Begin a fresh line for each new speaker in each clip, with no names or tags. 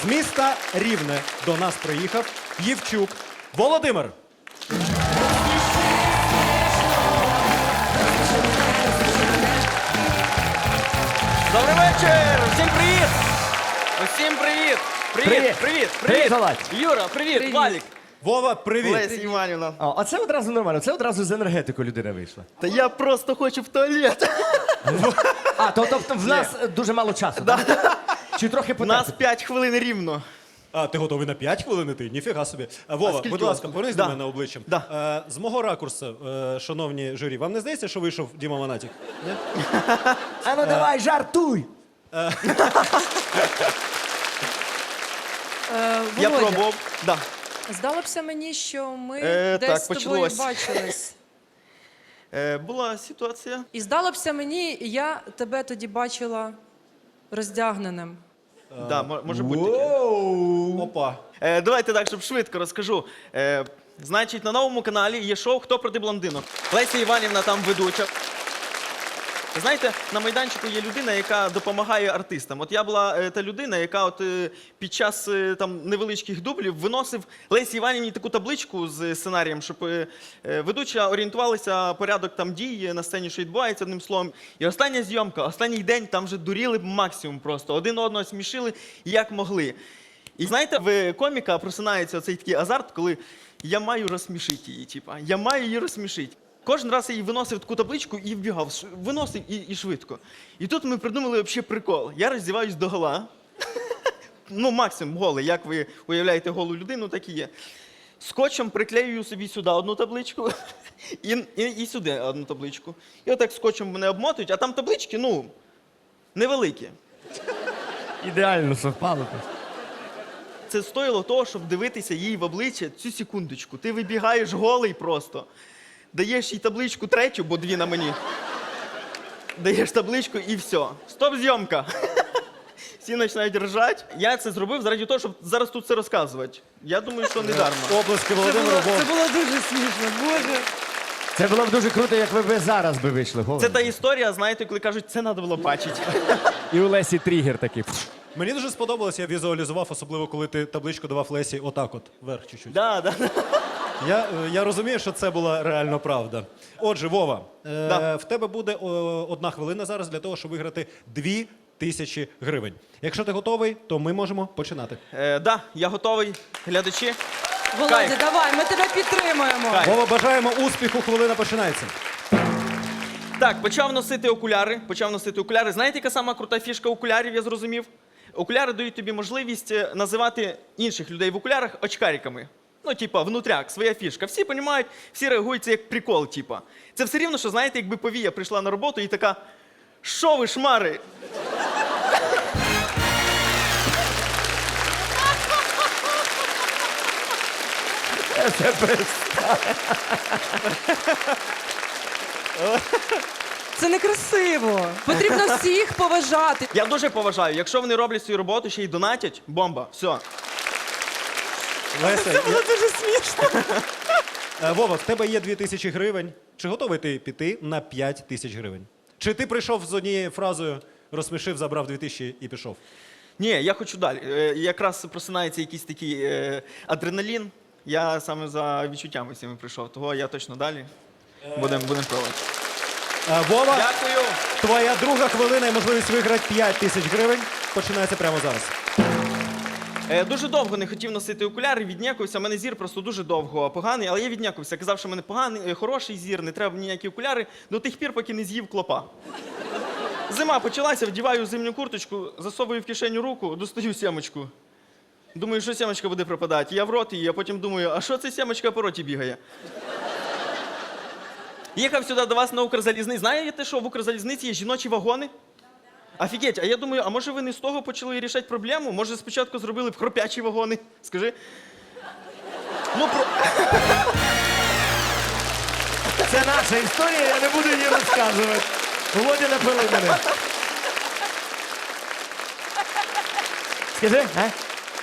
З міста Рівне до нас приїхав Євчук Володимир.
Добрий вечір! Всім привіт! Усім привіт! Привіт!
Володь.
Юра, привіт! Валік!
Вова, привіт.
Леся Іванівна.
А це одразу нормально, це одразу з енергетикою людина вийшла.
Та я просто хочу в туалет.
А, тобто в нас дуже мало часу, так? Чи трохи
У нас
потерпити?
5 хвилин рівно.
А, ти готовий на 5 хвилин іти? Ніфіга собі. Вова,
скільки
будь
у вас
ласка,
тут?
повернись
Да.
до мене обличчям.
Да.
З мого ракурсу, шановні журі, вам не здається, що вийшов Діма Монатік? Ні?
А ну давай, жартуй!
Я
Володя,
пробував. Да.
здалося мені, що ми
Так,
десь з тобою
почалось.
бачились.
Була ситуація.
І здалося мені, я тебе тоді бачила роздягненим.
Да, може бути таке.
Опа.
Давайте так, щоб швидко розкажу. Значить, на новому каналі є шоу «Хто проти блондинок». Леся Іванівна там ведуча. Знаєте, на майданчику є людина, яка допомагає артистам. От я була та людина, яка під час там невеличких дублів виносив Лесі Іванівні таку табличку з сценарієм, щоб ведуча орієнтувалася порядок там дій на сцені, що відбувається, одним словом. І остання зйомка, останній день, там вже дуріли максимум просто. Один одного смішили, як могли. І знаєте, в коміка просинається оцей такий азарт, коли я маю розсмішити її, типа, я маю її розсмішити. Кожен раз я їй виносив таку табличку і вбігав, виносив і швидко. І тут ми придумали взагалі прикол. Я роздіваюсь догола, ну максимум голий, як ви уявляєте голу людину, так і є. Скотчем приклеюю собі сюди одну табличку і сюди одну табличку. І отак скотчем мене обмотують, а там таблички, ну, невеликі.
Ідеально совпало.
Це стоїло того, щоб дивитися їй в обличчя цю секундочку. Ти вибігаєш голий просто. Даєш їй табличку третю, бо дві на мені. Даєш табличку і все. Стоп, зйомка. Всі починають ржати. Я це зробив заради того, щоб зараз тут це розказувати. Я думаю, що не дарма.
Обласки Володимиру.
Це було дуже смішно, Боже.
Це було б дуже круто, як ви зараз би вийшли.
Це та історія, знаєте, коли кажуть, це треба було бачити.
І у Лесі тригер такий.
Мені дуже сподобалось, я візуалізував, особливо коли ти табличку давав Лесі отак от, вверх чуть-чуть.
Да.
Я розумію, що це була реально правда. Отже, Вова,
Да.
в тебе буде 1 хвилина зараз для того, щоб виграти 2000 гривень. Якщо ти готовий, то ми можемо починати.
Да, я готовий. Глядачі.
Володя,
Кайф.
давай, ми тебе підтримуємо.
Кайф.
Вова, бажаємо успіху, хвилина починається.
Так, почав носити окуляри. Знаєте, яка сама крута фішка окулярів, я зрозумів? Окуляри дають тобі можливість називати інших людей в окулярах очкариками. Ну, типа, внутряк, своя фішка. Всі розуміють, всі реагують, це як прикол, типа. Це все рівно, що, знаєте, якби Повія прийшла на роботу і така: «Що ви, шмари?»
Це некрасиво. Потрібно всіх поважати.
Я дуже поважаю. Якщо вони роблять свою роботу, ще й донатять, бомба, все.
Леся,
Це було дуже смішно.
Вова, в тебе є 2000 гривень. Чи готовий ти піти на 5000 гривень? Чи ти прийшов з однією фразою, розсмішив, забрав 2000 і пішов?
Ні, я хочу далі. Якраз просинається якийсь такий адреналін. Я саме за відчуттями всіми прийшов, того я точно далі. Будемо пробувати.
Вова,
Дякую.
твоя друга хвилина і можливість виграти 5000 гривень починається прямо зараз.
Дуже довго не хотів носити окуляри, віднякувався. У мене зір просто дуже довго поганий, але я віднякувався. Казав, що в мене поганий, хороший зір, не треба ніякі окуляри, до тих пір, поки не з'їв клопа. Зима почалася, вдіваю зимню курточку, засовую в кишеню руку, достаю сімочку. Думаю, що сімочка буде пропадати. Я в рот її, а потім думаю, а що це сімочка по роті бігає? Їхав сюди до вас на Укрзалізниці. Знаєте, що в Укрзалізниці є жіночі вагони? Офігеть, а я думаю, а може ви не з того почали рішати проблему? Може спочатку зробили б хропячі вагони? Скажи. Ну,
Це наша історія, я не буду її розказувати. Володя напили мене. Скажи, а?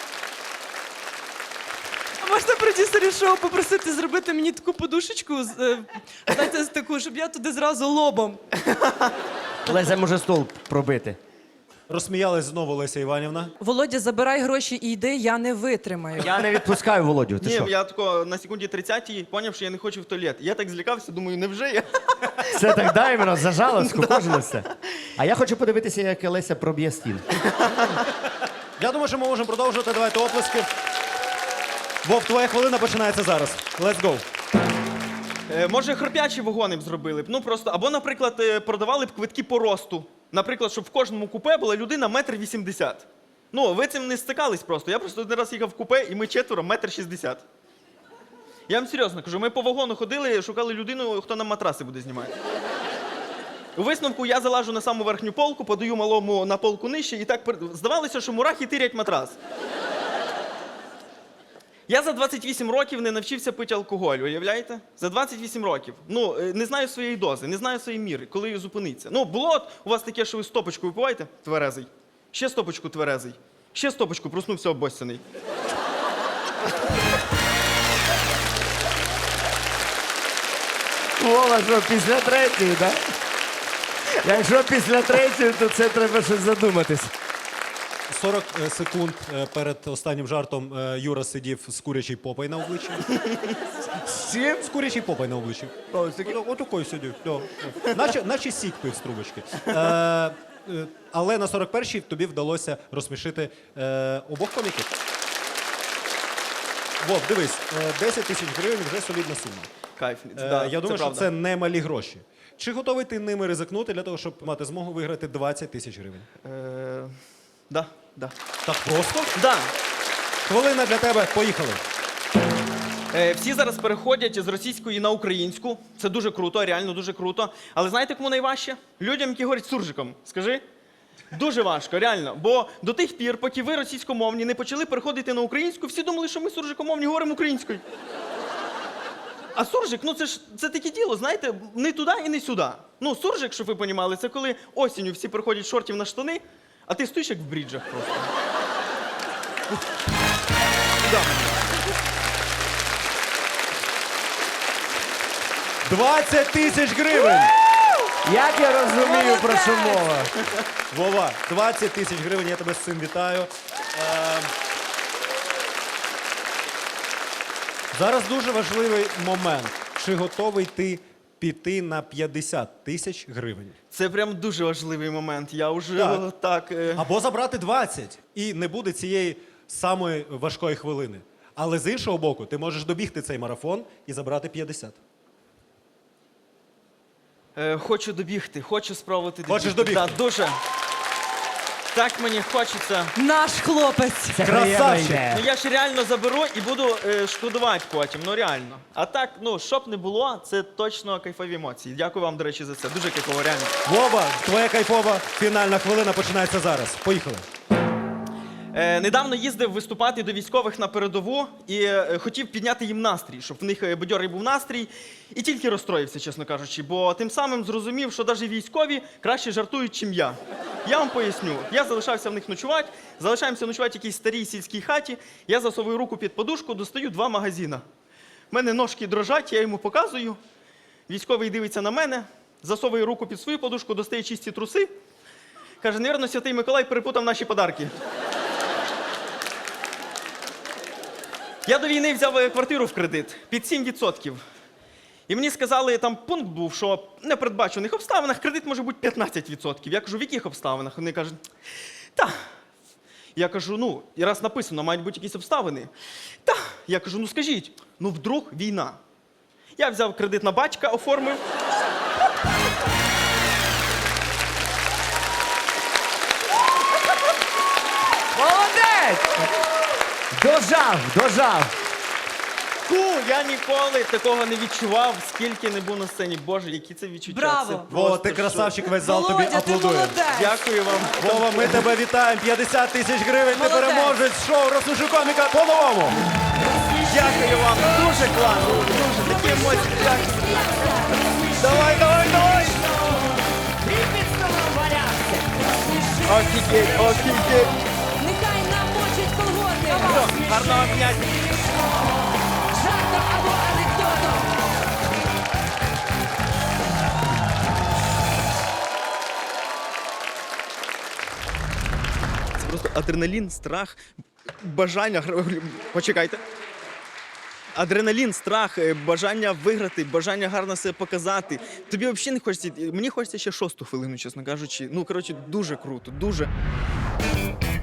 Можна продюсерів шоу попросити зробити мені таку подушечку, знаєте, таку, щоб я туди зразу лобом.
Леся може стол пробити.
Розсміялась знову Леся Іванівна.
Володя, забирай гроші і йди, я не витримаю.
Я не відпускаю Володю. Ти
Ні,
що?
я тако на секунді 30-й поняв, що я не хочу в туалет. Я так злякався, думаю, невже я?
Все так даємо, зажало, скукожилося. А я хочу подивитися, як Леся проб'є стіл.
Я думаю, що ми можемо продовжувати. Давайте оплески. Вов, твоя хвилина починається зараз. Let's go.
Може, хропячі вагони б зробили б. Ну просто, або, наприклад, продавали б квитки по росту. Наприклад, щоб в кожному купе була людина 1,80 м. Ну, ви цим не стикались просто. Я просто один раз їхав в купе, і ми четверо 1,60 м. Я вам серйозно кажу, ми по вагону ходили, шукали людину, хто нам матраси буде знімати. У висновку я залажу на саму верхню полку, подаю малому на полку нижче, і так здавалося, що мурахи тирять матрас. Я за 28 років не навчився пити алкоголь, уявляєте? За 28 років. Ну, не знаю своєї дози, не знаю своєї міри, коли її зупиниться. Ну, було от у вас таке, що ви стопочку випиваєте, тверезий. Ще стопочку тверезий. Ще стопочку, проснувся обоссяний.
Вова, що, після третьої, так? Якщо після третьої, то це треба щось задуматись.
40 секунд перед останнім жартом Юра сидів з курячий попой на обличчі.
З чим?
З курячий попой на обличчі. Отакой сидів. Наче сік пив з трубочки. Але на 41-й тобі вдалося розсмішити обох коміків. Вов, дивись, 10 тисяч гривень вже солідна сума.
Кайф.
Я думаю, що
правда.
це не малі гроші. Чи готовий ти ними ризикнути для того, щоб мати змогу виграти 20 тисяч гривень?
Да.
Так просто?
Да.
Хвилина для тебе, поїхали.
Всі зараз переходять з російської на українську. Це дуже круто, реально дуже круто. Але знаєте, кому найважче? Людям, які говорять суржиком. Скажи. Дуже важко, реально. Бо до тих пір, поки ви російськомовні не почали переходити на українську, всі думали, що ми суржикомовні говоримо українською. А суржик, ну це таке діло, знаєте, не туди і не сюди. Ну, суржик, щоб ви розуміли, це коли осінню всі переходять з шортів на штани, а ти стоїш як в бріджах просто. Да.
20 тисяч гривень!
Як я розумію, про що мова?
Вова, 20 тисяч гривень, я тебе з цим вітаю. Зараз дуже важливий момент. Чи готовий ти піти на 50 тисяч гривень?
Це прям дуже важливий момент. Я вже
Так.
так.
Або забрати 20, і не буде цієї самої важкої хвилини. Але з іншого боку, ти можеш добігти цей марафон і забрати 50.
Хочу добігти, хочу спробувати добігти.
Хочеш добігти?
Так, дуже. Так мені хочеться.
Наш хлопець.
Це
Красавчик.
приємна ідея.
Ну я ж реально заберу і буду шкодувати потім, ну реально. А так, ну, щоб не було, це точно кайфові емоції. Дякую вам, до речі, за це. Дуже кайфово, реально.
Вова, твоя кайфова фінальна хвилина починається зараз. Поїхали.
Недавно їздив виступати до військових на передову і хотів підняти їм настрій, щоб в них бадьорий був настрій. І тільки розстроївся, чесно кажучи, бо тим самим зрозумів, що навіть військові краще жартують, чим я. Я вам поясню. Я залишався в них ночувати, залишаємося ночувати в якійсь старій сільській хаті, я засовую руку під подушку, достаю 2 магазина. У мене ножки дрожать, я йому показую. Військовий дивиться на мене, засовує руку під свою подушку, достає чисті труси. Каже, невірно, Святий Миколай перепутав наші подарки. Я до війни взяв квартиру в кредит під 7%. І мені сказали, там пункт був, що в непередбачених обставинах кредит може бути 15%. Я кажу, в яких обставинах? Вони кажуть, та. Я кажу, ну, і раз написано, мають бути якісь обставини. Та. Я кажу, ну скажіть, ну вдруг війна. Я взяв кредит на батька, оформив.
Молодець! Дожав!
Я ніколи такого не відчував, скільки не був на сцені. Боже, які це відчуття.
Браво!
Це
Вова,
просто
ти красавчик, весь зал тобі
Володя, ти
аплодує.
молодець.
Дякую вам.
Вова, ми тебе вітаємо. 50 тисяч гривень. Ти
Молодець.
переможець шоу «Розсміши коміка» по-новому.
Дякую вам. Дуже класно. Дуже такі емоції. Дякую.
Давай!
Офігеть.
Нехай намочить колготи.
Гарного дня.
Жартом або анекдотом.
адреналін, страх, бажання. Почекайте. Адреналін, страх, бажання виграти, бажання гарно себе показати. Тобі взагалі не хочеться. Мені хочеться ще 6-ту хвилину, чесно кажучи. Ну, коротше, дуже круто, дуже.